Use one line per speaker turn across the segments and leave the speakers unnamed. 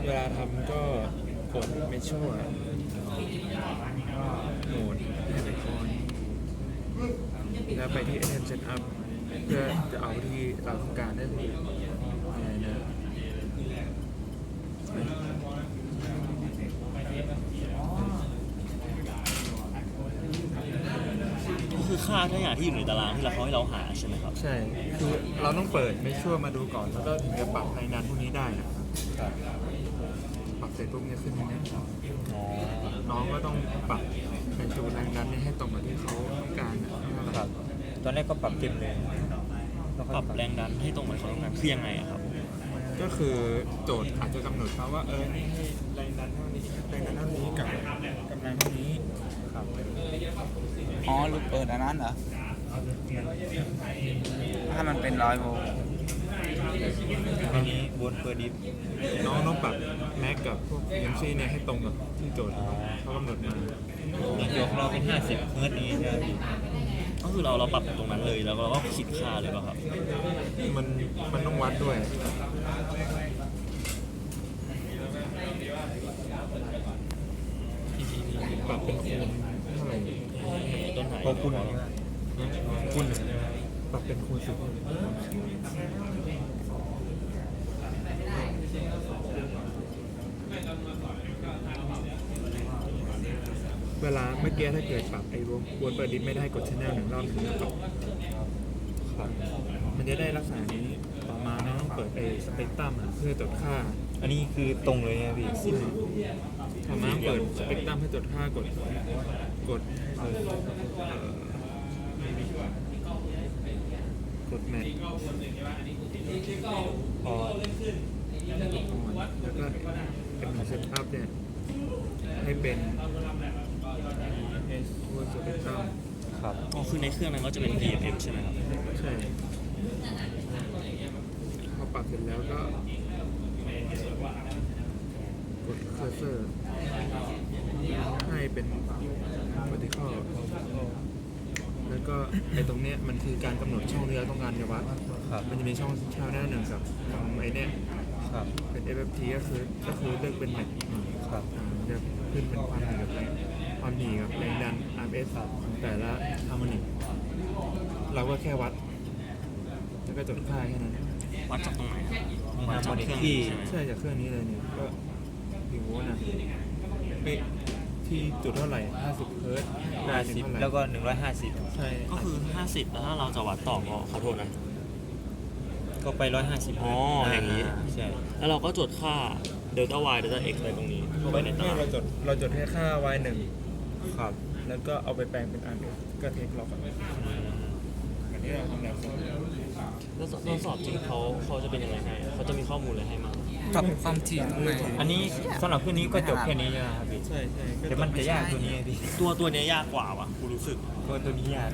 เวลาทำก็กดเมชชั่วโหมดให้ไอคอนแล้วไปที่ Item Setup เพื่อจะเอาที่เราต้องการได้เลยอะไรนะ
ก็คือค่าทุกอย่างที่อยู่ในตารางที่เราเขาให้เราหาใช่ไหมครับ
ใช่คือเราต้องเปิดเมชชั่วมาดูก่อนแล้วก็ถึงจะปรับแรงดันพวกนี้ได้นะครับปรับเสร็จปุ๊บเนี่ยขึ้นอย่างนี้น้องก็ต้องปรับในตัวแรงดันนี้ให้ตรงกับที่เขาต้องการนะครับ
ตอนแรกก็ปรับเต็มเลย
ปรับแรงดันให้ตรงเหมือนเขาต้องการคือยังไงอะครับ
ก็คือโจทย์อาจจะกำหนดมาว่านี่ให้แรงดันเท่านี้แรงดันเท่านี้กับกำลังเท่านี้ครับ
อ๋อลูกเปิดอันนั้นเหรอ ถ้ามันเป็น100 โวลต์
อันนี้บนเปิดดิฟ
น้องต้องปรับแม็กกับพวกเอ็มซีเนี่ยให้ตรงกับที่โจทย์เขากำหนดมา
เดี๋ยวของเราเป็น50 เฮิร์ตนี้ใช่ไหมพี่
ก็คือเราปรับตรงนั้นเลยแล้วเราก็คิดค่าเลยป่ะครับ
มันต้องวัดด้วยปรับเป็นคูณเท่าไหร่
ต้นหาย
พอคุณ
คูณปรับเป็นคูณ10เวลาเมื่อกี้ถ้าเกิดปรับไอ้วนเปิดดิสไม่ได้กดชแนล1 รอบถึงจะปรับครับมันจะได้ลักษณะนี้ต่อมานะต้องเปิดไอ้สเปกตรัมเพื่อตรวจค่า
อันนี้คือตรงเลยนะพี่
ทำมาเปิดสเปกตรัมให้ตรวจค่ากดแมท
พอ
แล้วก็เป็นเซตอัพเนี่ยให้เป็นตัวสเปกตรัม
ครับ
อ๋อคือในเครื่องนั้นก็จะเป็น DFM ใช่ไหมครับ
ใช่พอปรับเสร็จแล้วก็กดเคอร์เซอร์ให้เป็น vertical แล้วก็ไอ้ตรงเนี้ยมันคือการกำหนดช่องที่เราต้องการจะวัด
ครับ
มันจะมีช่องชาวหน้าหนึ่งกับไอ้เนี้ย
ครับ
เป็น FFT ก็คือเลือกเป็นแม็ก
ครับ
จะขึ้นเป็นความหนีกับแรงดัน RMS แต่ละฮาร์โมนิกเราก็แค่วัด แล้วก็จดค่าแค่นั้น
วัดจากตรงไหนครับ
มี
วัด
ฮาร์
จา
โม
ก
นิ
เค
ก
รื่อง
ที่
ใช่ไหม
ใช่จากเครื่องนี้เลยเนี่ยก็กี่โวลต์นะที่จุดเท่าไหร่50 เฮิร์ตซ์ได้ถึงเท่าไหร่
50 แล้วก็ 150
ใช่
ก็คือ 50แล้วถ้าเราจะวัดต่อก็ขอโทษนะ
ก็ไป 150
อ๋ออย่างนี้
ใช่
แล้วเราก็จดค่า delta y delta x ไปตรงนี้เข้าไปในตาราง
เราจดแค่ค่า y1
ครับ
แล้วก็เอาไปแปลงเป็น RMS ก็เทคล็อกอันนี้เราทำแบบ
แล้วตอนสอบจริงเขาจะเป็นยังไงให้เขาจะมีข้อมูลอะไรให้มา
ปรับความถี่ตรงไหน
อันนี้สำหรับเครื่องนี้ก็จบแค่นี้ใช่ไหมครับพี่
ใช่ใช่
เดี๋ยวมันจะยากตัวนี้ไงพี่
ตัวเนี้ยยากกว่าว่ะกูรู้สึก
ตัวนี้ยาก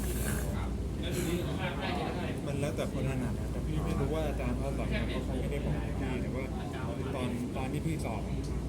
มันแล้วแต่คนถนัดนะแต่พี่ไม่รู้ว่าอาจารย์เขาสอนเขาไม่ได้บอกพี่แต่ว่าตอนที่พี่สอบ